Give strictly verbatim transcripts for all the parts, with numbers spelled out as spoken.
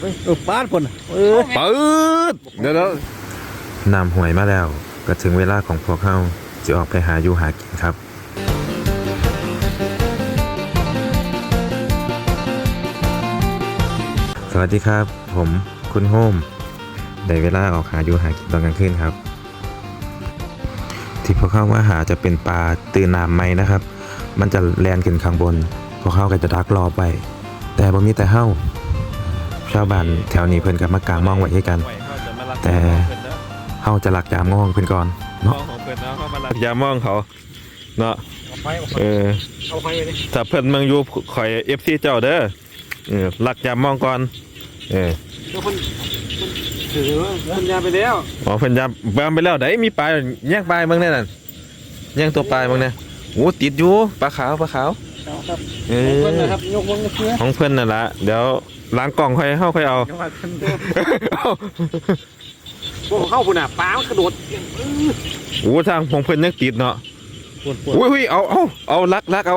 เออป้าคนเออปืดเดี๋ยวน้ำห่วยมาแล้วก็ถึงเวลาของพวกเขาจะออกไปหาอยู่หากินครับสวัสดีครับผมคุณโฮมได้เวลาออกหาอยู่หากินตอนกลางคืนครับที่พวกเขาว่าหาจะเป็นปลาตื่นน้ำไหมนะครับมันจะแล่นขึ้นข้างบนพวกเขาก็จะดักรอไปแต่บ่มีแต่เฮ้าชาวบ้านแถวนี้เพิ่นกับมากางมองไว้ให้กันแต่เฮาจะหลักยามมองเพิ่นก่อนเนาะยามมองเขาเนาะเออถ้าเพิ่นเมืองอยู่ข่อย เอฟ ซี เจ้าเด้อเออหลักยามมองก่อนเออเพิ่นถือเพิ่นยามไปแล้วอ๋อเพิ่นยามยามไปแล้วได้มีปลาแยกปลาเบิ่งแน่นั่นแยกตัวปลาเบิ่งแน่โอ้ติดอยู่ปลาขาวปลาขาวเออเพิ่นนะครับยกมือเพื่อของเพิ่นนั่นล่ะเดี๋ยวล้างกล่องค่อยเฮาค่อยเอาพวกเข้าพุ่นน่ะปลามันกระโดดโอ้ทางของเพิ่นยังติดเนาะอุ้ยๆเอาเอาเอาลักลักเอา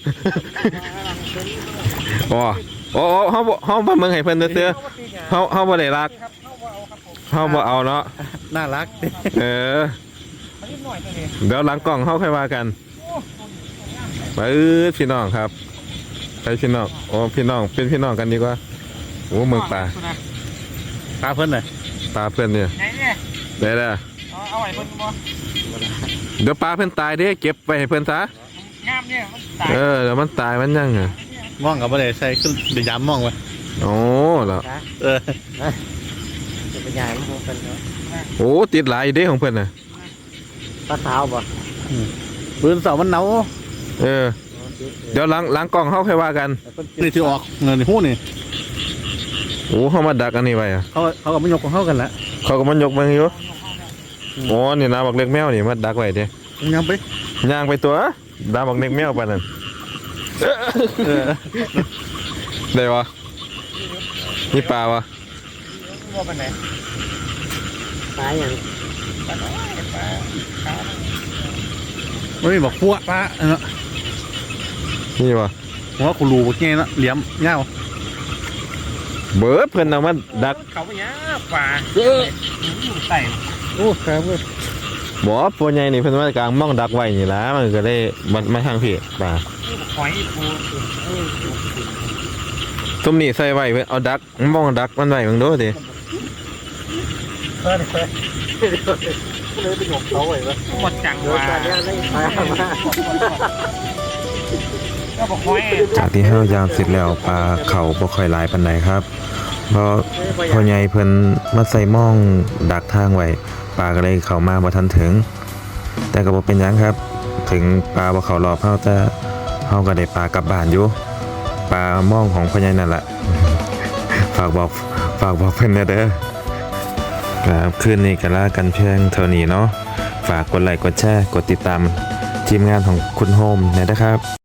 อ๋อโอ้เฮาเฮาบ่เมืองให้เพิ่นเตื้อเฮาเฮาบ่ได้ลักเฮาบ่เอาเนาะน่ารักเออเดี๋ยวล้างกล่องเฮาค่อยว่ากันไปเออพี่น้องครับไปพี่น้องโอ้พี่น้องเป็นพี่น้องกันดีกว่าโอ้เมืองป่าปลาเพิ่นเลยปลาเพิ่นเนี่ยได้แล้วเอาไว้เพิ่นบ่เดี๋ยวปลาเพิ่นตายเด้เก็บไว้ให้เพิ่นซะงามเนี่ยมันตายเออเดี๋ยวมันตายมันยังอ่ะมองกับบ่ได้ใส่ขึ้นเดี๋ยวยามมองไว้โอ้แล้วเออจะเป็นใหญ่ของเพิ่นเนาะโอ้ติดหลายเด้ของเพิ่นน่ะปลาขาวบ่ปืนเสามันเนาเออเดี๋ยวล้างล้างกล่องเฮาค่อยว่ากันนี่ที่ออกเงินฮู้นี่โอ้เขามาดักอันนี้ไว้อะเขาเขาก็มายกของเขากันละเขาก็มันยกมันอยู่โอ้นี่นะบักเล็กแมวนี่มาดักไว้เด้ย่างไปย่างไปตัวดาบักเล็กแมวปานนั้นได้วะนี่ปลาวะว่าเป็นไหนปลาอย่างปลาน้อยปลาปลาไม่บอกพวกปลาเนาะนี่วะผมว่าคุณรูเมื่อกี้นะเหลี่ยมเงาเบิร์ดเพื่อนเอามาดักเขาไปเนี้ยป่าเออใส่โอ้ครับเว้ยบ่ปวใหญ่นี่เพื่อนว่ากลางม่องดักไว้นี่ละมันก็ได้มันไม่ทางผิดป่าหอยปูตุ้มนี่ใส่ไว้เพื่อนเอาดักม่องดักมันไว้มึงดูดิเลยไปหยกเขาไว้เลยหมดจังว่าจากที่เฮายามเสร็จแล้วปลาเขาบ่ค่อยหลายปานใดครับเพราะพ่อใหญ่เพิ่นมาใส่ม่องดักทางไว้ปลาก็เลยเข้ามาบ่ทันถึงแต่ก็บ่เป็นหยังครับถึงปลาบ่เข้ารอบเฮาแต่เฮาก็ได้ปลากลับบ้านอยู่ปลาม่องของพ่อใหญ่นั่นแหละฝากบอกฝากบอกเพิ่นเด้อครับคืนนี้ก็ลากันเพียงเท่านี้เนาะฝากกดไลค์กดแชร์กดติดตามทีมงานของคุณโฮมนะครับ